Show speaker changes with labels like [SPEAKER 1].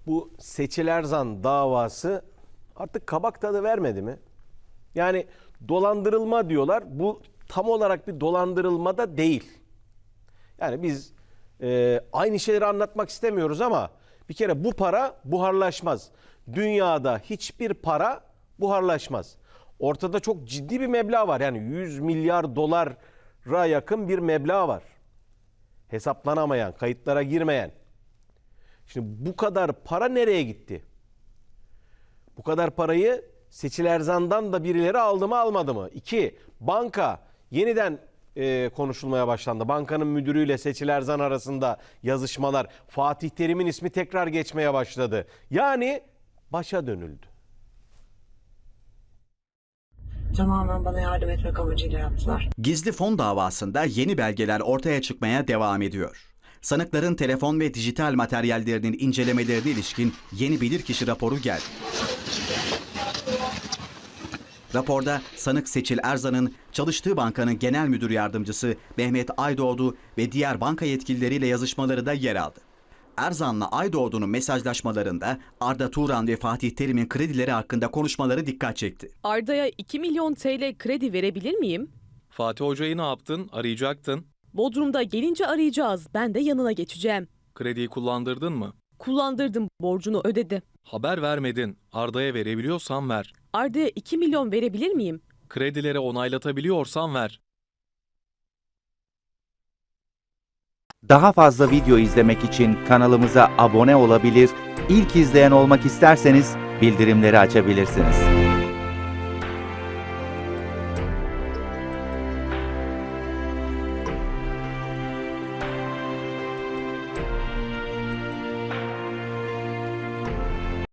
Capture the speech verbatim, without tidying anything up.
[SPEAKER 1] bu Seçil Erzan davası artık kabak tadı vermedi mi? Yani dolandırılma diyorlar. Bu tam olarak bir dolandırılma da değil. Yani biz e, aynı şeyleri anlatmak istemiyoruz ama bir kere bu para buharlaşmaz. Dünyada hiçbir para buharlaşmaz. Ortada çok ciddi bir meblağ var. Yani yüz milyar dolara yakın bir meblağ var. Hesaplanamayan, kayıtlara girmeyen. Şimdi bu kadar para nereye gitti? Bu kadar parayı Seçil Erzan'dan da birileri aldı mı almadı mı? İki, banka yeniden e, konuşulmaya başlandı. Bankanın müdürüyle Seçil Erzan arasında yazışmalar. Fatih Terim'in ismi tekrar geçmeye başladı. Yani başa dönüldü.
[SPEAKER 2] Tamamen bana yardım etmek amacıyla yaptılar.
[SPEAKER 3] Gizli fon davasında yeni belgeler ortaya çıkmaya devam ediyor. Sanıkların telefon ve dijital materyallerinin incelemelerine ilişkin yeni bilirkişi raporu geldi. Raporda sanık Seçil Erzan'ın çalıştığı bankanın genel müdür yardımcısı Mehmet Aydoğdu ve diğer banka yetkilileriyle yazışmaları da yer aldı. Erzan'la Aydoğdu'nun mesajlaşmalarında Arda Turan ve Fatih Terim'in kredileri hakkında konuşmaları dikkat çekti.
[SPEAKER 4] Arda'ya iki milyon T L kredi verebilir miyim?
[SPEAKER 5] Fatih Hoca'yı ne yaptın? Arayacaktın.
[SPEAKER 4] Bodrum'da gelince arayacağız. Ben de yanına geçeceğim.
[SPEAKER 5] Krediyi kullandırdın mı?
[SPEAKER 4] Kullandırdım, borcunu ödedi.
[SPEAKER 5] Haber vermedin. Arda'ya verebiliyorsan ver.
[SPEAKER 4] Arda'ya iki milyon verebilir miyim?
[SPEAKER 5] Kredileri onaylatabiliyorsan ver.
[SPEAKER 6] Daha fazla video izlemek için kanalımıza abone olabilir, ilk izleyen olmak isterseniz bildirimleri açabilirsiniz.